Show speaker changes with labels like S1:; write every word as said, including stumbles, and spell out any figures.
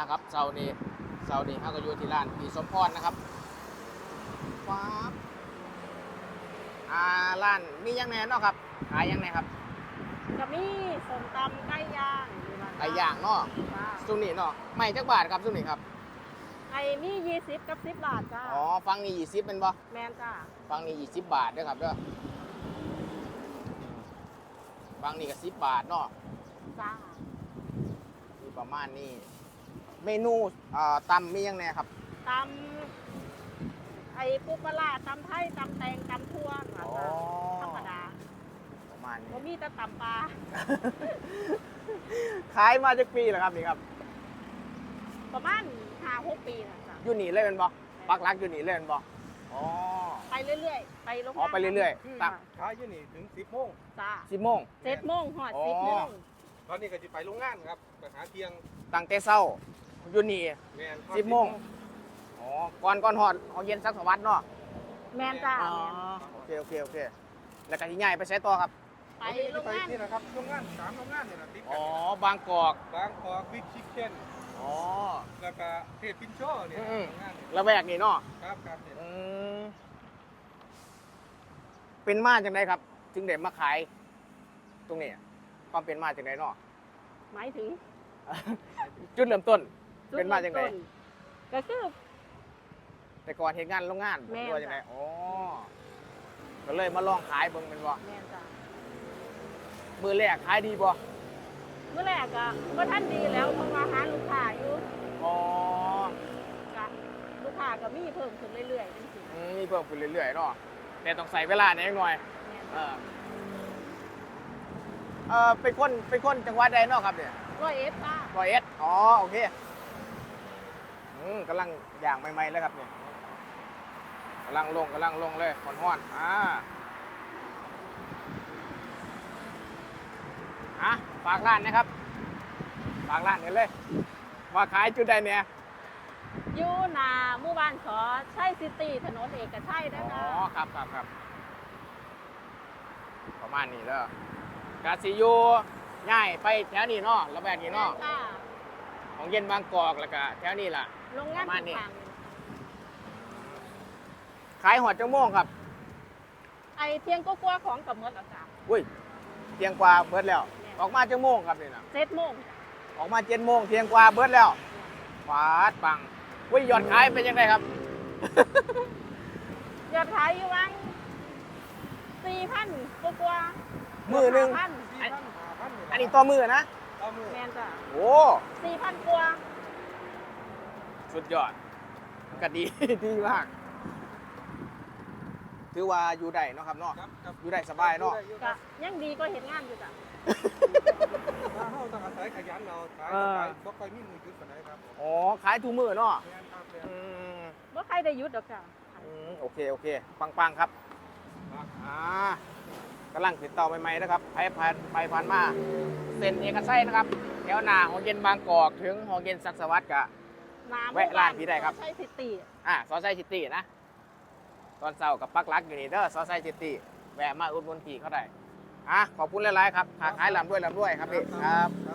S1: ครับเสาร์นี้เสาร์นี้เขาก็อยู่ที่ร้านพี่สมพรนะครับว้าบอ่าร้านมียังไงเนาะครับขายยังไงครับ
S2: จะมีส้มตำไก่ย่างอยู่นะ
S1: ไก่ย่างเนาะ
S2: จ้า
S1: ซุนี่เนาะไม่จักบาทครับซุนี่ครับ
S2: ไอ้มียี่สิบกับสิบบาทจ้า
S1: อ๋อฟังนี่ยี่สิบเป็นบ่
S2: แมนจ้า
S1: ฟังนี่ยี่สิบบาทเด้อครับเด้อฟังนี่ก็สิบบาทเนาะ
S2: จ้า
S1: มีประมาณนี้เมนูอ่าตำมียังไงครับ
S2: ตำไอ้ปูปลาร้าตำไทยตำแตงตำทั่วนะ
S1: อ๋อ
S2: จ้าธรรมดา
S1: ประมาณนี้
S2: ก็มีแต่ตำปลา
S1: ขายมาจากปีแล้วครับนี่ครับ
S2: ประมาณห้าหกปีนะจ้า
S1: อยู่นี่เลยเป็นบ่ปักหลักอยู่นี่เลยเป็นบ่อ๋อ
S2: ไปเรื่อยๆ ไปโรงงาน
S1: อ๋อไปเรื่อยๆ
S2: ม
S1: ตัก
S3: ขายอยู่นี่ถึงสิบโมง
S2: จ้า
S1: สิบโมง
S2: เจ็ดโมงหอด
S1: อ๋อ
S2: สิบโมง
S3: ตอนนี้ก็จะไปโรงงานครับไปหาเที่ยง
S1: ตั้งแต่เช้าอยู่นี่
S3: แมน
S1: สิบโมง อ๋อก่อนก่อนหอดของเย็นสักสวัสดเนาะ
S2: แมนจ้า
S1: อ๋อ
S2: แมน
S1: โอเคโอเคโอเคแล้วก็ที่ใหญ่ไปใช้ต่อครับ
S2: ไป
S3: ไป
S2: โรง
S3: ไป
S2: งาน
S3: นี่นะครับโรงงานสามโรงงานเนี่ยนะติด
S1: อ๋
S3: กั
S1: อน บางกอก
S3: บางกอกบิ๊กชิคเก้น
S1: อ๋อ
S3: แล้วก็เทศปินโชเนี่ย
S1: อืม
S3: โรงงานเนี่ย
S1: ระแวกนี่เนาะ
S3: ครับครับเนี่ย
S1: อืมเป็นมาจังไดครับ จึงได้มาขาย ตรงนี้ความเป็นมาจังไดเนาะ
S2: หมายถึง
S1: จุดเริ่มต้น
S2: จุด
S1: เป็นมาจังได
S2: ริ่ต้ก็คือ
S1: แต่ก่อนเห็นงานโรงงาน
S2: แม่น
S1: ด้วยจังได
S2: จ้ะ
S1: อ๋อก็เลยมาลองขายเบิ่งเป็นบ่
S2: แมนจ้า
S1: มือแรกขายดีบ่
S2: เมื่อแรกอะก็ท่านดีแล้วเพราะว่าหาลูกค้าอยู่
S1: อ๋อ
S2: กะลูกค้าก็มีเพิ่มขึ้นเรื่อยๆจริง
S1: อืมมีเพิ่มขึ้นเรื่อยๆเนาะแต่ต้องใส่เวลาหน่อยหน่อย
S2: ๆแม่น
S1: เออเออเป็นคนเป็นคนจังหวัดใดเนาะครับเนี่ย
S2: ร้อยเอฟป้า
S1: ร้อยเอ็ดอ๋อโอเคอืมกำลังย่างใหม่ๆเลยครับเนี่ยกำลังลงกำลังลงเลยห้อนๆอ่าอ่ะฝากร้านนะครับฝากร้านกันเลยว่าขายจุดใดเนี่ย
S2: อยู่หนาหมู่บ้านขอใช่ซิตี้ถนนเอกชัยนะ
S1: อ๋อ
S2: คะ
S1: ครับครับครับประมาณนี้แล้วกาซิอยูง่ายไปแถวนี้เนาะระแวกนี้เนาะ
S2: ค่ะ
S1: ของเย็นบางกอกแล้วก็แถวนี้ล่ะ
S2: โรงงาน
S1: ประมาณนี้
S2: ทาง
S1: ขายหอดจังโมงครับ
S2: ไอเทียงก็กลัวของกับเมื่อจ้ะ
S1: อุ้ยเที่ยงกว่าเบิดแล้ว ออกมาจังโมงครับนี่นะ
S2: เจ็ดโมง
S1: ออกมาเจ็ดโมงเที่ยงกว่าเบิดแล้วฟาดปังอุ้ยยอดขายเป็นยังไงครับ
S2: ยอดขายอยู่วังสี่พันกลัวๆ
S1: มือหนึ่ง
S2: พัน
S3: สี่พันห้าพัน
S1: อันนี้ต่อมือนะ
S3: ต่อมือ
S2: แมนจ้ะ
S1: โอ้
S2: สี่พันกว่า
S1: สุดยอดก็ดี ดีมาก ถือว่าอยู่ได้เนาะครับเนาะ
S3: ครับครับ
S1: อยู่ได้สบายเนาะ
S3: อยู่
S2: ก็
S3: ได้
S2: ยังดีก็เห็นงานอยู่จ้ะ
S3: ถ้าเฮาต้องอาศัยขยันเอาขาย
S1: เออ
S3: ขายบ่ค่อยมีมือจุดปานใดครับผม
S1: อ๋อขายทุกมือเนาะ
S3: แม่นครับแม่น
S1: อืม
S2: ว่าใครได้หยุดดอกจ้ะ
S1: อืมโอเคโอเค ปังๆครับ
S3: ครับ
S1: อ่ากำลังติดต่อใหม่ๆนะครับไปผ่านไปผ่านมาเส้นเอกชัยนะครับแถวหน้าหอเย็นบางกอกถึงหอเย็นศักดิ์สวัสดิ์กะ
S2: น้ำ
S1: แวะร้านพี่ได้ครับ
S2: ใช่ซิตี้
S1: อ่าซอสไซซิตี้นะตอนเช้ากับปักหลักอยู่นี่เด้อซอสไซซิตี้แวะมาอุดหนุนพี่เขาได้อ่ะขอบคุณหลายๆครับค้าขายลำด้วยลำด้วยครับพี่ครับ